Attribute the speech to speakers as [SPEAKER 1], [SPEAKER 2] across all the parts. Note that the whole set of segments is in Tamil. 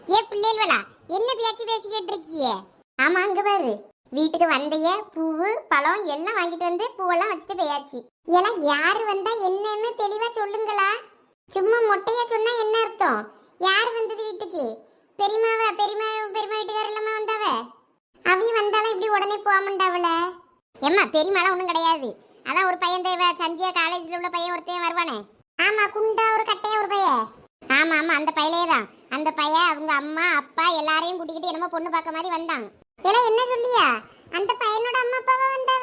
[SPEAKER 1] ஏ பிள்ளைகளா, என்ன பேச்சு பேசிக்கிட்டு இருக்கியே? ஆமா, அங்க பாரு, வீட்டுக்கு வந்தைய பூவு பழம் எல்லாம் வாங்கிட்டு வந்து பூவெல்லாம் வச்சுட்டு போயாச்சு. எல்லாம் யாரு வந்தா என்னன்னு தெளிவா சொல்லுங்களா? சும்மா மொட்டையா சொன்னா என்ன அர்த்தம்? யார் வந்தது வீட்டுக்கு? பெரியமாவ பெரியமா பெரியமா வீட்டுக்கார இல்லாம வந்தாவ. அவி வந்தாலும் இப்படி உடனே போகமாண்டாவல. ஏம்மா, பெரியமாலாம் ஒன்றும் கிடையாது. அதான் ஒரு பையன் தேவை, சந்தியா காலேஜில் உள்ள பையன் ஒருத்தையும் வருவானே. ஆமா, குண்டா ஒரு கட்டையா ஒரு பையன். ஆமா ஆமா, அந்த பையலே தான். அந்த பையன் அவங்க அம்மா அப்பா எல்லாரையும் கூட்டிக்கிட்டு என்னமோ பொண்ணு பார்க்க மாதிரி வந்தான். இதெல்லாம் என்ன சொல்லியா? அந்த பையனோட அம்மா அப்பாவா வந்தாவ?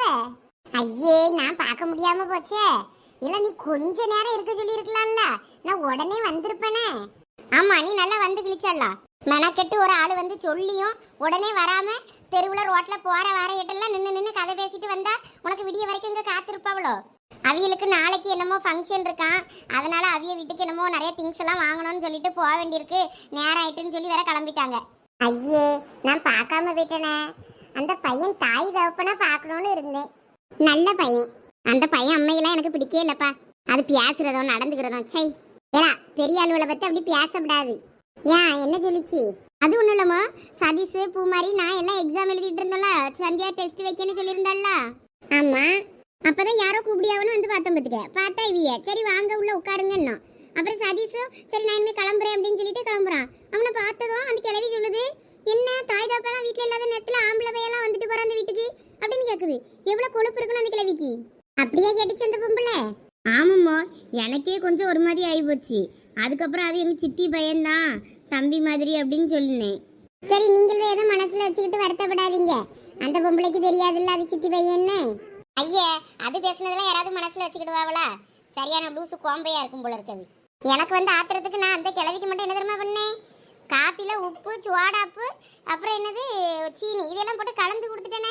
[SPEAKER 1] ஐயே, நான் பார்க்க முடியாம போச்சே. இல்ல, நீ கொஞ்ச நேரம் இருக்க சொல்லி இருக்கலாம்ல, நான் உடனே வந்திருப்பேனே. ஆமா, நீ நல்லா வந்து கிழிச்சிடலாம். மெனக்கெட்டு ஒரு ஆள் வந்து சொல்லியும் உடனே வராம தெருவுல ரோட்ல போற வர இடம்லாம் நின்று கதை பேசிட்டு வந்தா உனக்கு விடிய வரைக்கும் இங்க காத்திருப்பாவளோ? அவியலுக்கு நாளைக்கு என்னமோ ஃபங்க்ஷன் இருக்கான், அதனால அவிய வீட்டுக்கு என்னமோ நிறைய திங்ஸ் எல்லாம் வாங்கணும்னு சொல்லிட்டு போக வேண்டியிருக்கு, நேரம் ஆயிட்டுன்னு சொல்லி வேற கிளம்பிட்டாங்க. ஐயே, நான் பார்க்காம போயிட்டேனே. அந்த பையன் தாய் தகப்பனா பார்க்கணும்னு இருந்தேன். நல்ல பையன். அந்த பையன் அம்மையெல்லாம் எனக்கு பிடிக்கவே இல்லப்பா. அது பேசுறதோ நடந்துக்கிறதும் சை. ஏலா, பெரிய ஆளுகளை பத்தி அப்படி பேசப்படாது. ஏன், என்ன சொல்லிச்சு? அது ஒன்றும் இல்லம்மா, சதீஷ் பூமாரி நான் எல்லாம் எக்ஸாம் எழுதிட்டு இருந்தோம்ல, சந்தியா டெஸ்ட் வைக்கன்னு சொல்லியிருந்தாள்ல. ஆமா, அப்பதான் யாரோ கூப்பிடியாவனு வந்து பார்த்தோம். பார்த்தா இவிய சரி வாங்க உள்ள உட்காருங்கன்னு. அப்புறம் சதீஷும் சரி நான் இனிமே கிளம்புறேன் அப்படின்னு சொல்லிட்டு கிளம்புறான். அவனை பார்த்ததும் அந்த கிளவி சொல்லுது, என்ன தாய் தாப்பெல்லாம் வீட்டில் இல்லாத நேரத்தில் ஆம்பளை பையெல்லாம் வந்துட்டு போறான் அந்த வீட்டுக்கு அப்படின்னு கேட்குது. எவ்வளோ கொழுப்பு இருக்கணும் அந்த கிளவிக்கு. அப்படியே கேட்டுச்சு அந்த பொம்பளை. ஆமாம்மா, எனக்கே கொஞ்சம் ஒரு மாதிரி ஆகி போச்சு. அதுக்கப்புறம் அது எங்கள் சித்தி பையன்தான், தம்பி மாதிரி அப்படின்னு சொல்லினேன். சரி, நீங்களும் எதுவும் மனசில் வச்சுக்கிட்டு வருத்தப்படாதீங்க. அந்த பொம்பளைக்கு தெரியாதுல்ல அது சித்தி பையன்னு. ஐயே, அது பேசுனதெல்லாம் யாராவது மனசுல வச்சுக்கிடுவாங்களா? சரியான லூசு கோம்பையா இருக்கும் போல இருக்குது. எனக்கு வந்து ஆத்திரத்துக்கு நான் அந்த கிழவிக்கு மட்டும் என்ன தெரியுமா பண்ணேன்? காப்பில உப்பு சுவாடாப்பு அப்புறம் என்னது சீனி இதெல்லாம் போட்டு கலந்து கொடுத்துட்டேனே.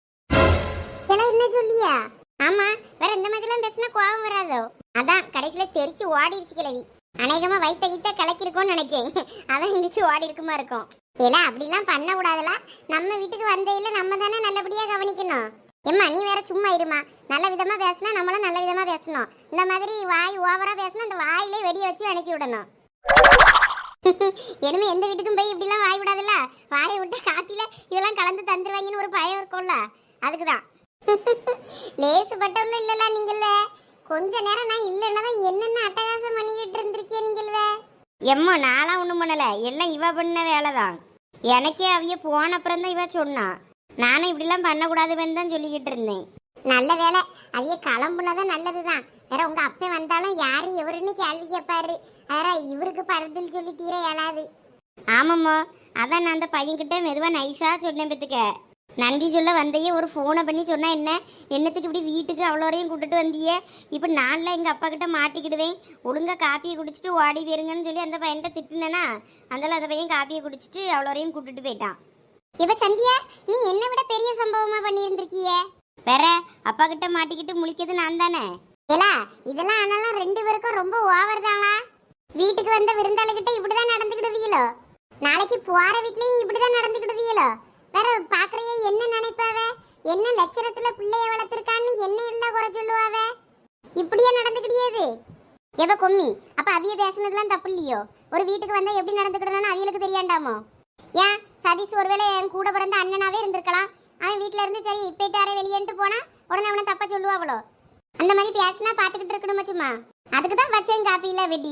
[SPEAKER 1] இதெல்லாம் என்ன சொல்லியா? ஆமா, வேற இந்த மாதிரிலாம் பேசினா கோபம் வராதோ? அதான் கடைசியில தெரிச்சு ஓடிடுச்சு கிழவி. அநேகமா வயிற்ற கலக்கிருக்கோன்னு நினைக்கேன். அதான் இருந்துச்சு ஓடி இருக்குமா இருக்கும். இதெல்லாம் அப்படிலாம் பண்ண கூடாதுல. நம்ம வீட்டுக்கு வந்தையில நம்ம தானே நல்லபடியா கவனிக்கணும். எம்மா, நீ வேற சும்மா இருமா. நல்ல விதமா பேசினா நம்மளும் நல்ல விதமா பேசணும். இந்த மாதிரி வாய் ஓவரா பேசினா அந்த வாயிலே வெடிய வச்சு அனுப்பி விடணும். இனிமே எந்த வீட்டுக்கும் போய் இப்படிலாம் வாய் விடாதுல்ல. வாயை விட்டு காப்பில இதெல்லாம் கலந்து தந்துருவாங்கன்னு ஒரு பயம் இருக்கும்ல, அதுக்குதான். லேசுப்பட்டவங்களும் இல்லல நீங்கள. கொஞ்ச நேரம் நான் இல்லைன்னா தான் என்னென்ன அட்டகாசம் பண்ணிக்கிட்டு இருந்திருக்கேன் நீங்கள. எம்மா, நான்லாம் ஒன்றும் பண்ணல, எல்லாம் இவ பண்ண வேலைதான். எனக்கே அவைய போன அப்புறம் தான் இவ சொன்னா. நானும் இப்படிலாம் பண்ணக்கூடாதுன்னு தான் சொல்லிக்கிட்டு இருந்தேன். நல்ல வேலை, அவைய கிளம்புனதான் நல்லதுதான். வேற உங்க அப்பா வந்தாலும் யாரு எவருன்னு கேள்வி கேட்பாரு. வேற இவருக்கு படுதுன்னு சொல்லி தீர இயலாது. ஆமாம்மா, அதான் நான் அந்த பையன்கிட்ட மெதுவாக நைஸாக சொன்னேன். பத்துக்க நன்றி சொல்ல வந்தையே ஒரு ஃபோனை பண்ணி சொன்னா என்ன, என்னத்துக்கு இப்படி வீட்டுக்கு அவ்வளோரையும் கூப்பிட்டுட்டு வந்தியே? இப்போ நான்லாம் எங்கள் அப்பா கிட்ட மாட்டிக்கிடுவேன். ஒழுங்காக காப்பியை குடிச்சிட்டு ஓடி போயிருங்கன்னு சொல்லி அந்த பையன்கிட்ட திட்டுனேன்னா, அதனால அந்த பையன் காப்பியை குடிச்சிட்டு அவ்வளோரையும் கூப்பிட்டுட்டு போயிட்டான். இப்ப சந்தியா, நீ என்ன விட பெரிய சம்பவமா பண்ணியிருந்திருக்கிய. வேற அப்பா கிட்ட மாட்டிக்கிட்டு முழிக்கிறது நான் தானே. ஏலா, இதெல்லாம் ஆனாலும் ரெண்டு பேருக்கும் ரொம்ப ஓவர் தானா? வீட்டுக்கு வந்த விருந்தாளிகிட்ட இப்படிதான் நடந்துக்கிடுவீங்களோ? நாளைக்கு போற வீட்லயும் இப்படிதான் நடந்துக்கிடுவீங்களோ? வேற பாக்குறைய என்ன நினைப்பாவ? என்ன லட்சணத்துல பிள்ளைய வளர்த்திருக்கான்னு என்ன இல்ல குறை சொல்லுவாவ? இப்படியே நடந்துக்கிடியது. எவ கொம்மி, அப்ப அவிய பேசுனதுலாம் தப்பு இல்லையோ? ஒரு வீட்டுக்கு வந்தா எப்படி நடந்துக்கிடணும்னு அவியலுக்கு தெரியாண்டாமோ? ஏன், சதீஷ் ஒருவேளை என் கூட பிறந்த அண்ணனாவே இருந்திருக்கலாம். அவன் வீட்டுல இருந்து சரி போயிட்டாரே வெளியேன்ட்டு போனா உடனே அவனை தப்பா சொல்லுவாவளோ? அந்த மாதிரி பேசினா பாத்துக்கிட்டு இருக்கணுமா சும்மா? அதுக்குதான் வச்சேன் காப்பியில வெடி.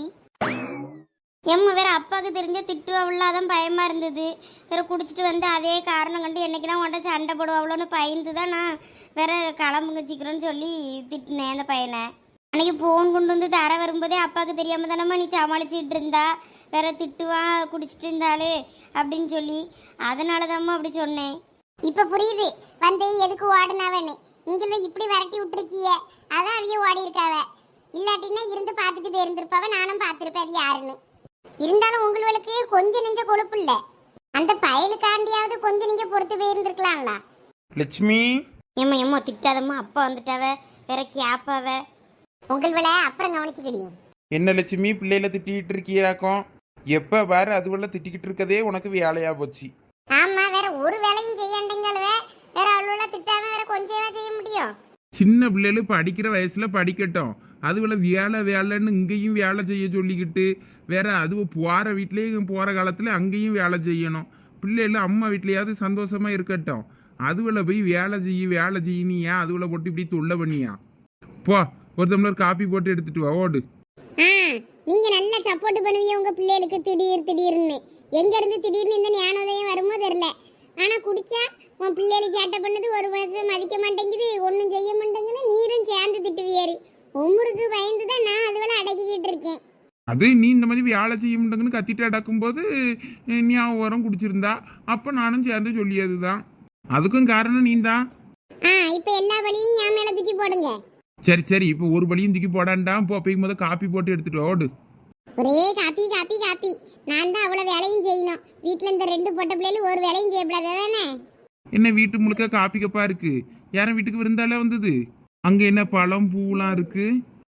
[SPEAKER 1] எம்ம வேற அப்பாவுக்கு தெரிஞ்ச திட்டுவாவளாதான் பயமா இருந்தது. வேற குடிச்சிட்டு வந்து அதே காரணம் கண்டு என்னைக்குனா உன்ட்ட சண்டை போடுவாவளோன்னு பயந்து தான் நான் வேற கிளம்புங்க சீக்கிரம்னு சொல்லி திட்டினேன் அந்த பையனை. அன்னைக்கு போன் கொண்டு வந்து தர வரும்போதே அப்பாவுக்கு தெரியாம தானம்மா நீ சமாளிச்சுட்டு இருந்தா. வேற திட்டுவான் குடிச்சிட்டு இருந்தாளு அப்படின்னு சொல்லி, அதனாலதாம்மா அப்படி சொன்னேன். இப்ப புரியுது வந்து எதுக்கு ஓடுனாவன்னு. நீங்களும் இப்படி விரட்டி விட்டுருக்கிய, அதான் அவைய ஓடி இருக்காவ. இல்லாட்டின்னா இருந்து பார்த்துட்டு போயிருந்திருப்பாவ, நானும் பார்த்துருப்பேன் அது யாருன்னு. இருந்தாலும் உங்களுக்கு கொஞ்சம் நெஞ்ச கொழுப்பு இல்ல. அந்த பயலுக்காண்டியாவது கொஞ்சம் நீங்க பொறுத்து போயிருந்திருக்கலாம்ல.
[SPEAKER 2] லட்சுமி,
[SPEAKER 1] எம்மா எம்மா திட்டாதம்மா, அப்பா வந்துட்டாவ வேற கேப்பாவ. உங்களை அப்புறம் கவனிச்சுக்கிடியே.
[SPEAKER 2] என்ன லட்சுமி, பிள்ளையில திட்டிக்கிட்டு இருக்கியாக்கும்? எப்ப பாரு அதுவெல்லாம் திட்டிக்கிட்டு இருக்கதே உனக்கு வேலையா போச்சு.
[SPEAKER 1] ஆமா, வேற ஒரு வேலையும் செய்யண்டீங்களே. வேற அவ்வளோ திட்டாம வேற கொஞ்சம் செய்ய முடியும்.
[SPEAKER 2] சின்ன பிள்ளைகள் படிக்கிற வயசுல படிக்கட்டும், அதுவளை வேலை வேலைன்னு இங்கேயும் வேலை செய்ய சொல்லிக்கிட்டு வேற அது போகிற வீட்லேயும் போகிற காலத்தில் அங்கேயும் வேலை செய்யணும். பிள்ளைகள் அம்மா வீட்லையாவது சந்தோஷமா இருக்கட்டும். அதுவளை போய் வேலை செய்யின்னு ஏன் அதுவளை போட்டு இப்படி தொல்லை பண்ணியா? போ ஒரு டம்ளர் காப்பி போட்டு எடுத்துட்டு வா, ஓடு.
[SPEAKER 1] நீங்க நல்லா சப்போர்ட் பண்ணுவீங்க உங்க பிள்ளைகளுக்கு திடீர்னு எங்க இருந்து திடீர்னு இந்த ஞானோதயம் வருமோ தெரியல. ஆனா குடிச்சா உன் பிள்ளைகளுக்கு சேட்டை பண்ணது ஒரு வருஷம் மதிக்க மாட்டேங்குது, ஒன்றும் செய்ய மாட்டேங்குது, நீரும் சேர்ந்து திட்டுவியாரு. உமுருக்கு பயந்துதான் நான் அதுவளை அடக்கிக்கிட்டு இருக்கேன்.
[SPEAKER 2] அது நீ இந்த மாதிரி வேலை செய்ய முடியுங்கன்னு கத்திட்டு அடக்கும்போது ஞாபகம் குடிச்சிருந்தா அப்போ நானும் சேர்ந்து சொல்லியது தான். அதுக்கும் காரணம் நீ தான்.
[SPEAKER 1] இப்ப எல்லா வழியும் என் மேல தூக்கி போடுங்க.
[SPEAKER 2] சரி சரி, இப்போ ஒரு வழியும் தூக்கி போடாண்டா. போய்க்கும் போது காப்பி போட்டு எடுத்துட்டு ஓடு.
[SPEAKER 1] ஒரே காப்பி காப்பி காப்பி. நான் தான் அவ்வளவு வேலையும் செய்யணும். வீட்டுல இந்த 2 பொட்ட பிள்ளைகளும் ஒரு வேலையும் செய்யப்படாது தானே.
[SPEAKER 2] என்ன வீட்டு முழுக்க காப்பி கப்பா இருக்கு? யாரும் வீட்டுக்கு விருந்தாலே வந்தது? அங்க என்ன பழம் பூலாம் இருக்கு?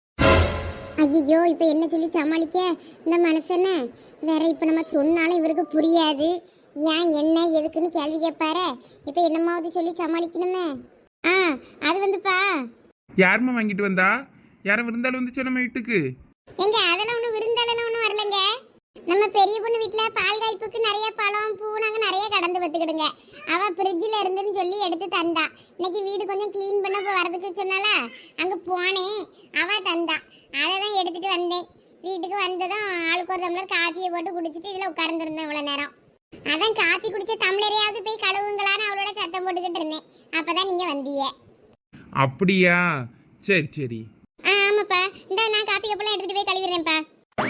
[SPEAKER 1] ஐயோ இப்ப என்ன சொல்லி சமாளிக்க இந்த மனுஷனை வேற. இப்ப நம்ம சொன்னாலும் இவருக்கு புரியாது. ஏன் என்ன எதுக்குன்னு கேள்வி கேட்பாரு. இப்ப என்னமாவது சொல்லி சமாளிக்கணுமே. அது வந்துப்பா.
[SPEAKER 2] யாருமா வாங்கிட்டு வந்தா? யாரும் விருந்தாலும் வந்துச்சு நம்ம வீட்டுக்கு?
[SPEAKER 1] எங்க அதெல்லாம் ஒன்றும் விருந்தாளெல்லாம் ஒன்றும் வரலங்க. நம்ம பெரிய பொண்ணு வீட்டில் பால் காய்ப்புக்கு நிறைய பழம் பூ நாங்கள் நிறைய கடந்து பார்த்துக்கிடுங்க. அவள் ஃப்ரிட்ஜில் இருந்துன்னு சொல்லி எடுத்து தந்தா. இன்னைக்கு வீடு கொஞ்சம் க்ளீன் பண்ண வரதுக்கு சொன்னால அங்கே போனேன். அவள் தந்தா, அதை தான் எடுத்துகிட்டு வந்தேன். வீட்டுக்கு வந்ததும் ஆளுக்கு ஒரு டம்ளர் காப்பியை போட்டு குடிச்சிட்டு இதில் உட்கார்ந்துருந்தேன் இவ்வளோ நேரம். அதான் காப்பி குடிச்ச டம்ளரையாவது போய் கழுவுங்களான்னு அவளோட சத்தம் போட்டுக்கிட்டு இருந்தேன். அப்போ தான் நீங்கள் வந்தீங்க.
[SPEAKER 2] அப்படியா? சரி சரி.
[SPEAKER 1] ஆமாப்பா, இந்த நான் காப்பி கப்பெல்லாம் எடுத்துட்டு போய் கழுவிடுறேன்ப்பா.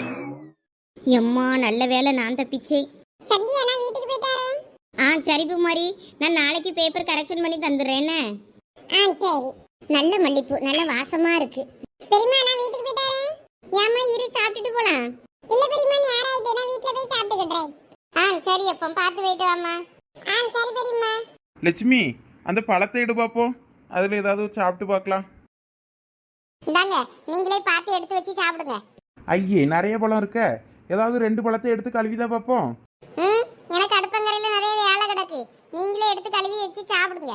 [SPEAKER 1] எம்மா நல்ல வேலை நான் தப்பிச்சேன். சந்தியா நான் வீட்டுக்கு போயிட்டாரேன். சரி பூமாரி, நான் நாளைக்கு பேப்பர் கரெக்ஷன் பண்ணி தந்துடுறேன்னு. சரி. நல்ல மல்லிப்பூ நல்ல வாசமா இருக்கு. பெரியம்மா நான் வீட்டுக்கு போயிட்டாரேன். ஏம்மா இரு சாப்பிட்டுட்டு போலாம். இல்ல பெரியம்மா நேரம் ஆயிட்டு, நான் வீட்ல போய் சாப்பிட்டுக்கிறேன். சரி அப்பா பார்த்து போயிட்டு வாம்மா. சரி பெரியம்மா.
[SPEAKER 2] லட்சுமி, அந்த பழத்தை எடு பாப்போம். அதுல ஏதாவது சாப்பிட்டு பார்க்கலாம்.
[SPEAKER 1] இந்தாங்க, நீங்களே பார்த்து எடுத்து வச்சு சாப்பிடுங்க.
[SPEAKER 2] ஐயே நிறைய பழம் இருக்க. ஏதாவது 2 பழத்தை எடுத்து கழுவிதான் பார்ப்போம்.
[SPEAKER 1] எனக்கு அடுப்பங்கரையில நிறைய வேலை கிடக்கு. நீங்களே எடுத்து கழுவி வச்சு சாப்பிடுங்க.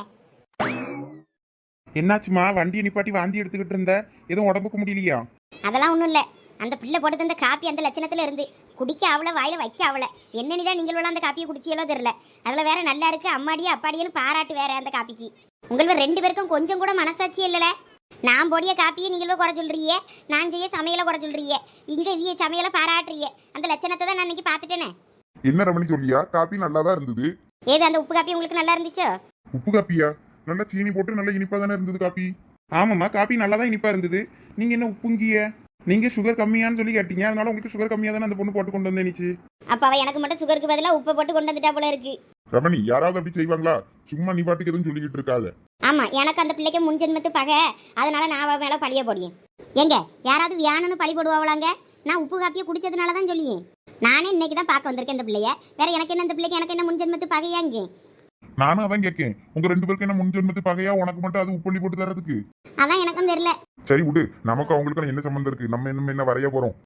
[SPEAKER 2] என்னாச்சுமா? வண்டியை நிப்பாட்டி வாந்தி எடுத்துக்கிட்டு இருந்த, எதுவும் உடம்புக்கு முடியலையா?
[SPEAKER 1] அதெல்லாம் ஒன்றும் இல்லை. அந்த பிள்ளை போட்டு தந்த காப்பி அந்த லட்சணத்தில் இருந்து குடிக்க அவளை வாயில வைக்க அவளை என்னன்னுதான் நீங்கள் அந்த காப்பியை குடிச்சியலோ தெரியல. அதில் வேற நல்லா இருக்கு அம்மாடியே அப்பாடியன்னு பாராட்டு வேற அந்த காப்பிக்கு. உங்களுக்கு 2 பேருக்கும் கொஞ்சம் கூட மனசாட்சி இல்லைல. நான் போடிய காப்பியை நீங்களும் குறை சொல்றியே, நான் செய்ய சமையலை குறை சொல்றியே, இங்கே இவிய சமையலை பாராட்டுறியே. அந்த லட்சணத்தை தான் நான் இன்னைக்கு பார்த்துட்டேனே.
[SPEAKER 3] என்ன ரமணி சொல்லியா? காப்பி நல்லா தான் இருந்தது.
[SPEAKER 1] ஏது அந்த உப்பு காப்பி உங்களுக்கு நல்லா இருந்துச்சோ?
[SPEAKER 3] உப்பு காப்பியா? நல்லா சீனி போட்டு நல்லா இனிப்பா தானே இருந்தது காப்பி.
[SPEAKER 2] ஆமாம்மா, காப்பி நல்லா தான் இனிப்பா இருந்தது. நீங்க என்ன உப்புங்கிய? நீங்க சுகர் கம்மியான்னு சொல்லி கேட்டீங்க, அதனால உங்களுக்கு சுகர் கம்மியா தானே அந்த பொண்ணு போட்டு கொண்டு வந்தேனிச்சு.
[SPEAKER 1] அப்ப அவ எனக்கு மட்டும் சுகருக்கு பதிலாக உப்பை போட்டு கொண்டு வந்துட்டா போல இருக்கு.
[SPEAKER 3] ரமணி யாராவது அப்படி செய்வாங்களா? சும்மா நீ பாட்டுக்கு எதுவும் சொல்லிக்கிட்டு இருக்காத.
[SPEAKER 1] ஆமா, எனக்கு அந்த பிள்ளைக்கு முன்ஜென்மத்து பகை, அதனால நான் அவ மேல பழிய போடியேன். எங்க யாராவது வியானன்னு பழி போடுவாங்களாங்க? நான் உப்பு காப்பியை குடிச்சதுனால தான் சொல்லியேன். நானே இன்னைக்கு தான் பார்க்க வந்திருக்கேன் இந்த பிள்ளைய. வேற எனக்கு என்ன இந்த பிள்ளைக்கு எனக்கு என்ன முன்ஜென்மத்து பகையாங்க?
[SPEAKER 3] நானும் அதான் கேட்கேன். உங்க 2 பேருக்கு என்ன முன்ஜென்மத்து பகையா? உனக்கு மட்டும் அது உப்பள்ளி போட்டு தரதுக்கு?
[SPEAKER 1] அதான் எனக்கும் தெரியல.
[SPEAKER 3] சரி விடு, நமக்கு அவங்களுக்கு என்ன சம்பந்தம் இருக்கு? நம்ம என்ன வரைய போறோம்?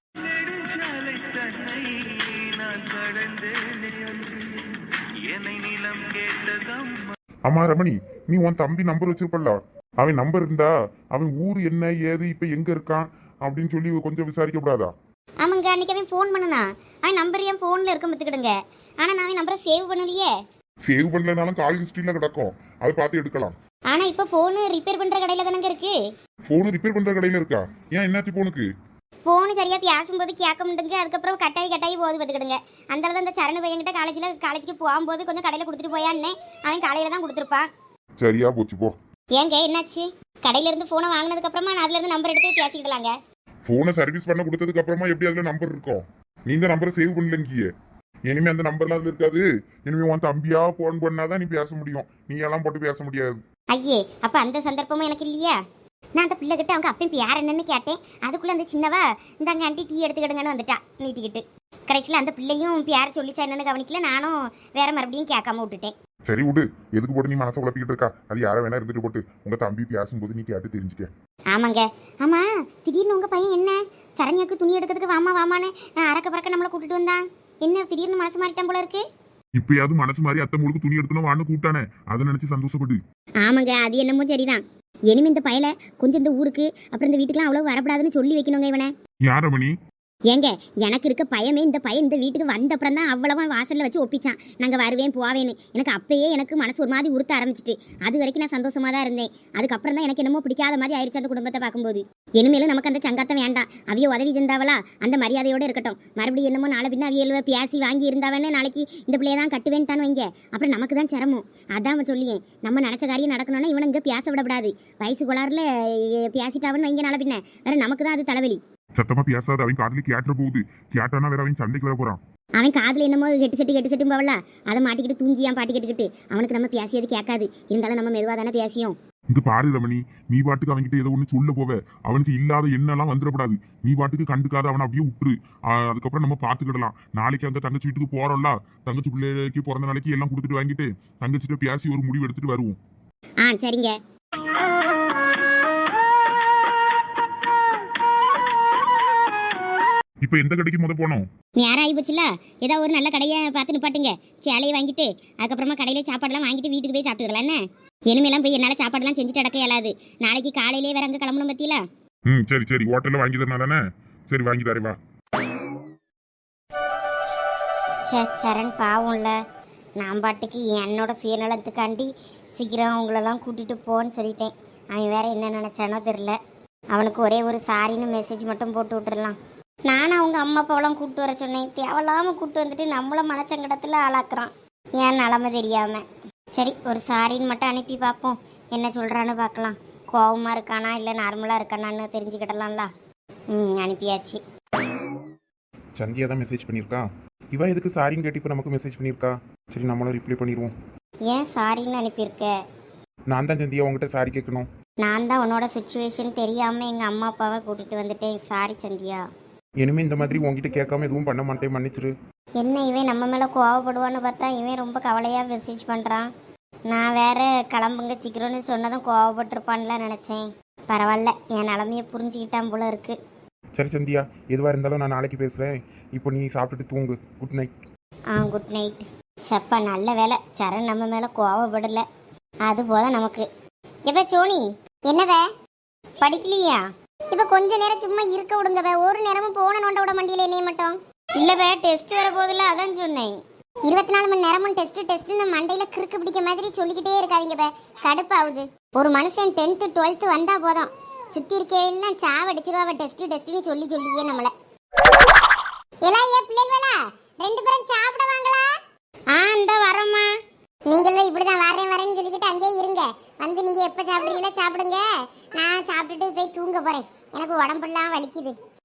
[SPEAKER 3] ஆமா ரமணி, நீ உன் தம்பி நம்பர் வச்சிருப்பல்ல, அவன் நம்பர் இருந்தா அவன் ஊர் என்ன ஏது இப்ப எங்க இருக்கான் அப்படின்னு சொல்லி கொஞ்சம் விசாரிக்க கூடாதா?
[SPEAKER 1] ஆமாங்க, அன்னைக்கு அவன் ஃபோன் பண்ணனா. அவன் நம்பர் என் ஃபோன்ல இருக்க பத்துக்கிடுங்க. ஆனா நான் அவன் நம்பரை சேவ் பண்ணலையே.
[SPEAKER 3] சேவ் பண்ணலனாலும் கால் ஹிஸ்டரியில கிடக்கும், அதை பார்த்து எடுக்கலாம்.
[SPEAKER 1] ஆனா இப்ப போன் ரிப்பேர் பண்ற கடையில தானங்க இருக்கு.
[SPEAKER 3] போன் ரிப்பேர் பண்ற கடையில இருக்கா? ஏன் என்னாச்சு போனுக்கு?
[SPEAKER 1] போன் சரியா பேசும்போது கேட்க முடியுங்க. அதுக்கப்புறம் கட்டாயி போது பார்த்துக்கிடுங்க. அந்த அந்த சரண பையன்கிட்ட காலேஜுக்கு போகும்போது கொஞ்சம் கடையில் கொடுத்துட்டு போயான்னு அவன் காலையில தான் கொடுத்துருப்பான்.
[SPEAKER 3] சரியா போச்சு போ.
[SPEAKER 1] ஏங்க என்னாச்சு? கடையில இருந்து போனை வாங்கினதுக்கு அப்புறமா நான் அதுல இருந்து நம்பர் எடுத்து பேசிக்கிடலாங்க.
[SPEAKER 3] போனை சர்வீஸ் பண்ண கொடுத்ததுக்கு அப்புறமா எப்படி அதுல நம்பர் இருக்கும்? நீங்க நம்பரை சேவ் பண்ணலங்கிய. இனிமே அந்த நம்பர்லாம் அதுல இருக்காது. இனிமே உன் தம்பியா போன் பண்ணாதான் நீ பேச முடியும். நீ எல்லாம் போட்டு பேச முடியாது.
[SPEAKER 1] ஐயே, அப்ப அந்த சந்தர்ப்பமும் எனக்கு இல்லையா? நான் அந்த பிள்ளை கிட்ட அவங்க அப்பயும் யார் என்னன்னு கேட்டேன். அதுக்குள்ள அந்த சின்னவா இந்தாங்க ஆண்டி டீ எடுத்துக்கிடுங்கன்னு வந்துட்டா நீட்டிக்கிட்டு. கடைசியில் அந்த பிள்ளையும் பேர் சொல்லிச்சா என்னன்னு கவனிக்கல. நானும் வேற மறுபடியும் கேட்காம விட்டுட்டேன்.
[SPEAKER 3] சரி விடு, எதுக்கு போட்டு நீ மனசை குழப்பிக்கிட்டு இருக்கா? அது யாரை வேணா இருந்துட்டு போட்டு உங்க தம்பி பேசும்போது நீ கேட்டு தெரிஞ்சுக்க.
[SPEAKER 1] ஆமாங்க. ஆமா, திடீர்னு உங்க பையன் என்ன சரண்யாக்கு துணி எடுக்கிறதுக்கு வாமான்னு அறக்க பறக்க நம்மளை கூட்டிட்டு வந்தான். என்ன திடீர்னு மனசு மாறிட்டான் போல இருக்கு.
[SPEAKER 3] இப்பயாவது மனசு மாதிரி அத்தை முழுக்க துணி எடுக்கணும் வான்னு கூப்பிட்டானே, அதை நினைச்சு சந்தோஷப்படு.
[SPEAKER 1] ஆமாங்க, அது என்னமோ சரிதான். இனிமே இந்த பயலை கொஞ்சம் இந்த ஊருக்கு அப்புறம் இந்த வீட்டுக்குலாம் அவ்வளவு வரப்படாதுன்னு சொல்லி வைக்கணுங்க இவனை.
[SPEAKER 3] யார் ரமணி?
[SPEAKER 1] ஏங்க எனக்கு இருக்க பயமே இந்த பையன் இந்த வீட்டுக்கு வந்த அப்புறம் தான் அவ்வளவா வாசல்ல வச்சு ஒப்பிச்சான் நாங்கள் வருவேன் போவேன்னு. எனக்கு அப்பயே எனக்கு மனசு ஒரு மாதிரி உறுத்த ஆரம்பிச்சிட்டு. அது வரைக்கும் நான் சந்தோஷமா தான் இருந்தேன். அதுக்கப்புறம் தான் எனக்கு என்னமோ பிடிக்காத மாதிரி ஆயிடுச்சு அந்த குடும்பத்தை பார்க்கும்போது. இனிமேலும் நமக்கு அந்த சங்கத்தம் வேண்டாம். அவிய உதவி செஞ்சாவளா அந்த மரியாதையோட இருக்கட்டும். மறுபடியும் என்னமோ நாளை பின்ன அவியல்வ பேசி வாங்கி இருந்தாவன்னு நாளைக்கு இந்த பிள்ளைய தான் கட்டுவேன்னு தான் வைங்க. அப்புறம் நமக்கு தான் சிரமம். அதான் அவன் சொல்லியேன், நம்ம நினச்ச காரியம் நடக்கணும்னா இவனை இங்கே பேச விடக்கூடாது. வயசு கோளாறுல பேசிட்டாவன்னு வைங்க, நாளை பின்ன வேற நமக்கு தான் அது தலைவலி.
[SPEAKER 3] சத்தமா பேசாத, அவன் காதலி கேட்டுற போகுது. கேட்டானா வேற அவன் சண்டைக்கு வர போறான்.
[SPEAKER 1] அவன் காதில் என்னமோ கெட்டு செட்டு போவல அதை மாட்டிக்கிட்டு தூங்கியான் பாட்டி கேட்டுக்கிட்டு அவனுக்கு நம்ம பேசியது கேட்காது. இருந்தாலும் நம்ம மெதுவாக தானே பேசியோம்.
[SPEAKER 3] இங்க பாரு ரமணி, நீ பாட்டுக்கு அவன்கிட்ட ஏதோ ஒண்ணு சொல்ல போவ. அவனுக்கு இல்லாத எண்ணெல்லாம் வந்துடக்கூடாது. நீ பாட்டுக்கு கண்டுக்காத, அவனை அப்படியே விட்டுரு. அதுக்கப்புறம் நம்ம பாத்துக்கிடலாம். நாளைக்கு அந்த தங்கச்சி வீட்டுக்கு போறோம்ல, தங்கச்சி பிள்ளைக்கு பிறந்த நாளைக்கு எல்லாம் கொடுத்துட்டு வாங்கிட்டு தங்கச்சிட்ட பேசி ஒரு முடிவு எடுத்துட்டு வருவோம்.
[SPEAKER 1] சரிங்க.
[SPEAKER 3] இப்ப எந்த கடைக்கு முத போனோம்?
[SPEAKER 1] நேரம் ஆகி போச்சுல, ஏதாவது ஒரு நல்ல கடையை பார்த்து நிப்பாட்டுங்க. சேலையை வாங்கிட்டு அதுக்கப்புறமா கடையில சாப்பாடுலாம் வாங்கிட்டு வீட்டுக்கு போய் சாப்பிட்டுக்கலாம். என்ன இனிமேலாம் போய் என்னால் சாப்பாடுலாம் செஞ்சுட்டு அடக்க இயலாது. நாளைக்கு காலையிலே வேற அங்கே கிளம்பணும் பத்தியில.
[SPEAKER 3] சரி சரி, ஹோட்டல்ல வாங்கி தரணும் தானே? சரி வாங்கி தரேன் வா.
[SPEAKER 1] சரண் பாவம்ல, நான் பாட்டுக்கு என்னோட சுயநலத்துக்காண்டி சீக்கிரம் அவங்களெல்லாம் கூட்டிட்டு போன்னு சொல்லிட்டேன். அவன் வேற என்ன நினைச்சானோ தெரில. அவனுக்கு ஒரே ஒரு சாரின்னு மெசேஜ் மட்டும் போட்டு விட்டுறலாம். நானும் அவங்க அம்மா அப்பாவெல்லாம் கூப்பிட்டு வர சொன்னேன். தேவையில்லாமல் கூப்பிட்டு வந்துட்டு நம்மள மனச்சங்கடத்தில் ஆளாக்குறான். ஏன் நிலமை தெரியாம. சரி, ஒரு சாரின்னு மட்டும் அனுப்பி பார்ப்போம், என்ன சொல்கிறான்னு பார்க்கலாம். கோவமாக இருக்கானா இல்லை நார்மலாக இருக்கானான்னு தெரிஞ்சுக்கிடலாம்ல. அனுப்பியாச்சு.
[SPEAKER 2] சந்தியா தான் மெசேஜ் பண்ணியிருக்கா. இவ எதுக்கு சாரின்னு கேட்டு இப்போ நமக்கு மெசேஜ் பண்ணியிருக்கா. சரி, நம்மளும் ரிப்ளை பண்ணிடுவோம்.
[SPEAKER 1] ஏன் சாரின்னு அனுப்பியிருக்க?
[SPEAKER 2] நான் தான் சந்தியா உங்ககிட்ட சாரி கேட்கணும்.
[SPEAKER 1] நான் தான் உன்னோட சுச்சுவேஷன் தெரியாமல் எங்கள் அம்மா அப்பாவை கூட்டிகிட்டு வந்துட்டேன். சாரி சந்தியா.
[SPEAKER 2] இனிமே இந்த மாதிரி உங்ககிட்ட கேட்காம எதுவும் பண்ண மாட்டேன், மன்னிச்சிரு.
[SPEAKER 1] என்ன இவன் நம்ம மேலே கோவப்படுவான்னு பார்த்தா இவன் ரொம்ப கவலையாக மெசேஜ் பண்ணுறான். நான் வேற கிளம்புங்க சீக்கிரம்னு சொன்னதும் கோவப்பட்டிருப்பான்லாம் நினச்சேன். பரவாயில்ல, என் நிலமையை புரிஞ்சுக்கிட்டான் போல இருக்கு.
[SPEAKER 2] சரி சந்தியா, எதுவாக இருந்தாலும் நான் நாளைக்கு பேசுகிறேன். இப்போ நீ சாப்பிட்டுட்டு தூங்கு. Good night.
[SPEAKER 1] Good night. சப்பா நல்ல வேலை, சரண் நம்ம மேலே கோவப்படலை. அது போதும் நமக்கு. எப்ப சோனி என்னவே படிக்கலையா? இப்ப கொஞ்ச நேரம் சும்மா இருக்க விடுங்கவே. ஒரு நேரமும் போன நோண்ட விட மாட்டீங்களே என்னைய மட்டும். இல்லவே டெஸ்ட் வர போதில்ல, அதான் சொன்னேன். 24 மணி நேரமும் டெஸ்ட் மண்டையில கிறுக்கு பிடிக்க மாதிரி சொல்லிக்கிட்டே இருக்காதீங்க. கடுப்பாகுது. ஒரு மனுஷன் 10th 12th வந்தா போதும், சுத்தி இருக்கேன்னா சாவடிச்சிருவா. டெஸ்ட்னு சொல்லியே நம்மள. எல்லாம் ஏன் பிள்ளைகளா 2 பேரும் சாப்பிட வாங்களா? இந்த வரோம்மா. நீங்களும் இப்படிதான் வரேன்னு சொல்லிக்கிட்டு அங்கேயே இருங்க. வந்து நீங்க எப்ப சாப்பிடுறீங்களோ சாப்பிடுங்க. நான் சாப்பிட்டுட்டு போய் தூங்க போறேன். எனக்கு உடம்பெல்லாம் வலிக்குது.